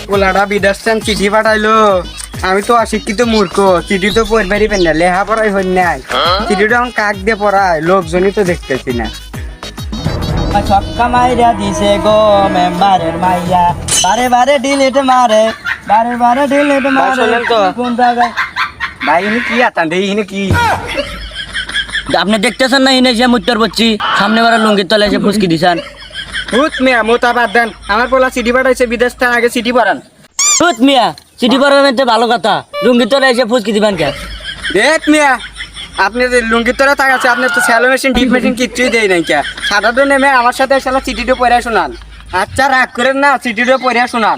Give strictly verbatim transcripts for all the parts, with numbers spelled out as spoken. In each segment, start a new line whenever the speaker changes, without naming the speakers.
পোলাটা বিদেশান চিঠি পাঠাইলো আমি তো অশিক্ষিত মূর্খ চিঠি তো পড়বারই পেন না লেহা পড়াই হই নাই চিঠিটা এখন কাক দিয়ে পড়ায় লোকজনই তো দেখতেছি না
ছক্কা মাইরা দিছে গো মেম্বারের মাইয়া বারে বারে ডিলিট মারে বারে বারে ডিলিট মারে
শোনেন তো।
কোন জায়গায়
ভাই ইনি কি আতান রে ইনি কি
আপনি দেখতেছেন না ইনে যে মুত্তর বচ্ছি সামনে বারে লুঙ্গির তলে এসে ফুসকি দিছেন
হুত মিয়া মোতা বাদ দেন আমার পোলা চিঠি পাঠাইছে বিদেশ থেকে আগে চিঠি পড়ান
তুত মিয়া চিঠি পড়াবেন তো ভালো কথা লুঙ্গির তলে এসে ফুসকি দিবেন কে
দেখ মিয়া আপনি যে লুঙ্গির তোরা তাকাচ্ছে আপনি তো স্যালো মেশিন ডিপ মেশিন কিচ্ছুই দেয় নাই কে সাধারণ নেমে আমার সাথে শালা চিঠিটা পড়ে শোনান আচ্ছা রাগ করেন না চিঠিটা পড়ে শোনান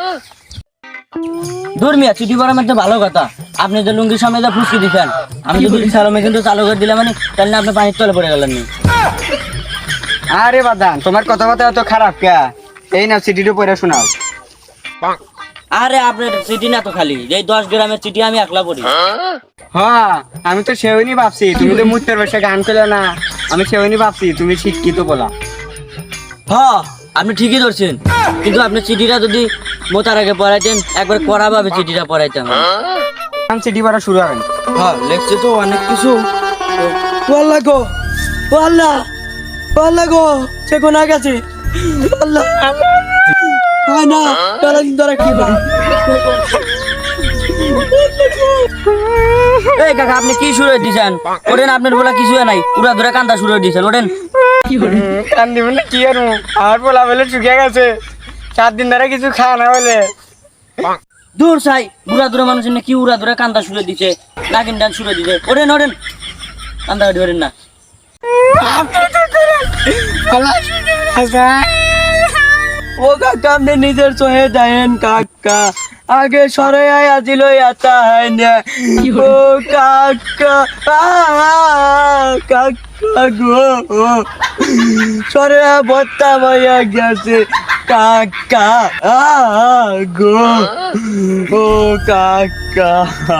দূর মিয়া চিঠি পড়াবেন তো ভালো কথা আপনি যে লুঙ্গির সামনে যা ফুসকি দিছেন আমি যদি সালো মেশিন তো চালু করে দিলাম মানে তাহলে আপনি পানির তলে পড়ে গেলেন নি
আরে বাদান তোমার কথাবার্তা এত খারাপ কে এই না চিঠিটা পড়ে শোনাও
আরে আপনার চিঠি না তো খালি এই দশ গ্রামের চিঠি আমি একলা পড়ি
হ্যাঁ আমি তো সেওনি ভাবছি তুমি তো মুত্তের বসে গান করলে না আমি সেওনি ভাবছি তুমি শিক্ষিত বলা
হ্যাঁ আপনি ঠিকই ধরছেন কিন্তু আপনি চিঠিটা যদি মোতার আগে পড়াইতেন একবার কড়া ভাবে চিঠিটা পড়াইতাম
গান চিঠি পড়া শুরু হবেন
হ্যাঁ লেখছে তো অনেক কিছু আল্লাহ গো ও আল্লাহ ও আল্লাহ গো সে কোন গেছে আল্লাহ হয় না তারা ধরে কি করে এই কাকা আপনি কি শুরু দিয়েছেন ওরেন আপনার বলা কিছু নাই পুরা ধরে কান্দা শুরু দিয়েছেন ওরেন
কান দিবেন না কি আর আমার বলা বলে চুকে গেছে সাত দিন ধরে কিছু খাওয়া না বলে
দূর চাই বুড়া দূরে মানুষ কি উড়া ধরে কান্দা শুরু দিছে নাগিন ডান শুরু দিছে ওরেন ওরেন কান্দা কাটি ওরেন না ও কাকা আপনি নিজের চোহে দেন কাকা আগে সরে আয় আজিল আতা হয় না ও কাকা কাকা গো সরে বত্তা ভাইয়া গেছে কাকা গো ও কাকা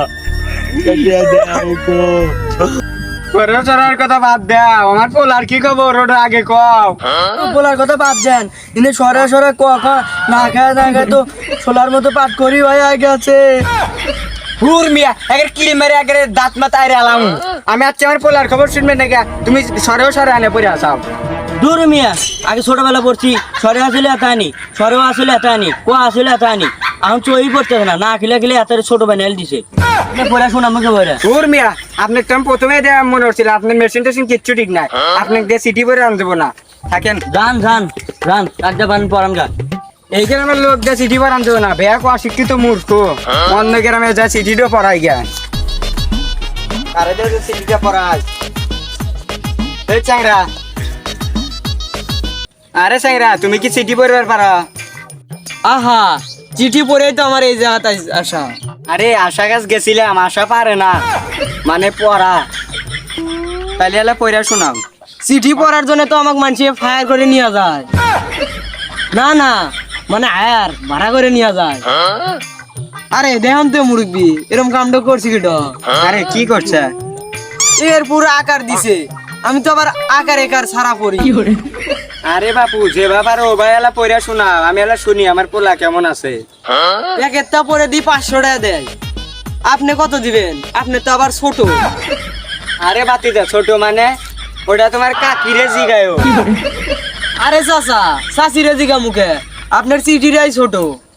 গো
করে চড়ার কথা বাদ দাও আমার পোলার কি খবর ওটা আগে কও
বলার কথা বাদ দেন ইনি সরে সরে কখন না খায় না খায় তো সোলার মতো পাট করি ভাই আগে আছে
হুর মিয়া একের কিল মেরে একের দাঁত মাথা আইরে আলাম আমি আজকে আমার পোলার খবর শুনবেন নাকি তুমি সরেও সরে আনে পড়ে আসাও
দূর মিয়া আগে ছোটবেলা পড়ছি সরে আসলে এত আনি সরেও আসলে এত আনি কো আসলে এত আনি আমি চই পড়তেছে না না খেলে খেলে এত ছোট বানাইল দিছে পড়াশোনা আমাকে বলে
হুর মিয়া আপনাকে তো আমি প্রথমে দেয়া মনে হচ্ছিল আপনার মেশিন টেশিন কিচ্ছু ঠিক নাই আপনাকে দিয়ে সিটি করে আন দেবো না থাকেন
যান যান যান একটা বান পড়ান গা
এই গ্রামের লোক দিয়ে সিটি করে আন দেবো না বেয়া কো অশিক্ষিত মূর্খ অন্য গ্রামে যা সিটিটাও পড়াই গিয়া আরে দে সিটিটা পড়াই এই চ্যাংরা আরে চ্যাংরা তুমি কি সিটি পড়বার পারো
আহা চিঠি পড়েই তো আমার এই জায়গাতে আসা
আরে আশা গাছ গেছিলাম আশা পারে না মানে পড়া তাহলে এলা পড়া শোনাও
চিঠি পড়ার জন্য তো আমাকে মানুষ ফায়ার করে নিয়ে যায় না না মানে আয়ার ভাড়া করে নিয়ে যায় আরে দেখাম তো মুরব্বি এরকম কামটা করছি কিটো
আরে কি করছে
এর পুরো আকার দিছে আমি তো আবার আকার একার সারা পড়ি
আরে বাপু যে বাবার ও ভাই এলা পড়া শোনাও আমি এলা শুনি আমার পোলা কেমন আছে
এক একটা পরে দি পাঁচশো টাকা দেয় আপনি কত দিবেন আপনি তো আবার ছোট
আরে বাতি দে ছোট মানে ওটা তোমার কাকিরে জিগায়ও
আরে চাচা চাষি রেজিকা মুখে আপনার চিঠিটাই ছোট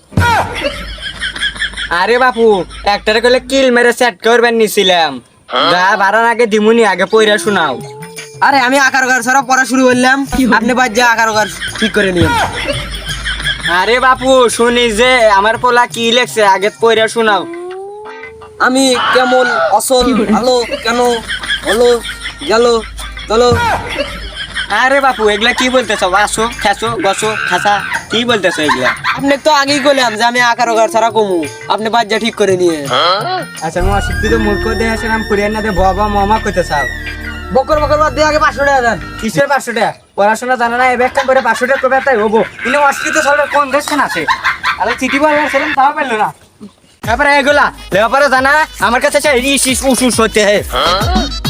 আরে বাপু একটারে কইলে কিল মেরে সেট করবেন নিছিলাম যা বাড়ার আগে দিমুনি আগে পড়া শোনাও
আরে আমি আকার গার সারা পড়া শুরু করলাম আপনি বাদ যা আকার গার ঠিক করে নিন
আরে বাপু শুনি যে আমার পোলা কি লেখছে আগে পড়া শোনাও
আমি কেমন অসল ভালো কেন হলো গেল চলো
আরে বাপু এগুলা কি বলতেছো আসো খেসো গসো খাসা কি বলতেছো এগুলা
আপনি তো আগেই বললাম যে আমি আকার গার সারা কমু আপনি বাদ যা ঠিক করে নিয়ে
আচ্ছা মা শিক্ষিত মূর্খ দিয়ে আসলাম পুরিয়ার না দিয়ে বাবা মামা কইতে চাও
বকর বকর বাদ দিয়ে আগে পাঁচশো টাকা দেন
কিসের পাঁচশো টাকা পড়াশোনা জানা না এবার কাম করে পাঁচশো টাকা করবে তাই হবো কিন্তু অশিক্ষিত সরকার কোন দেশ আছে আরে চিঠি বলবার ছিলাম তাও পেলো না তারপরে এগুলা লেবারে জানা আমার কাছে ইস ইস উস উস হতে হয়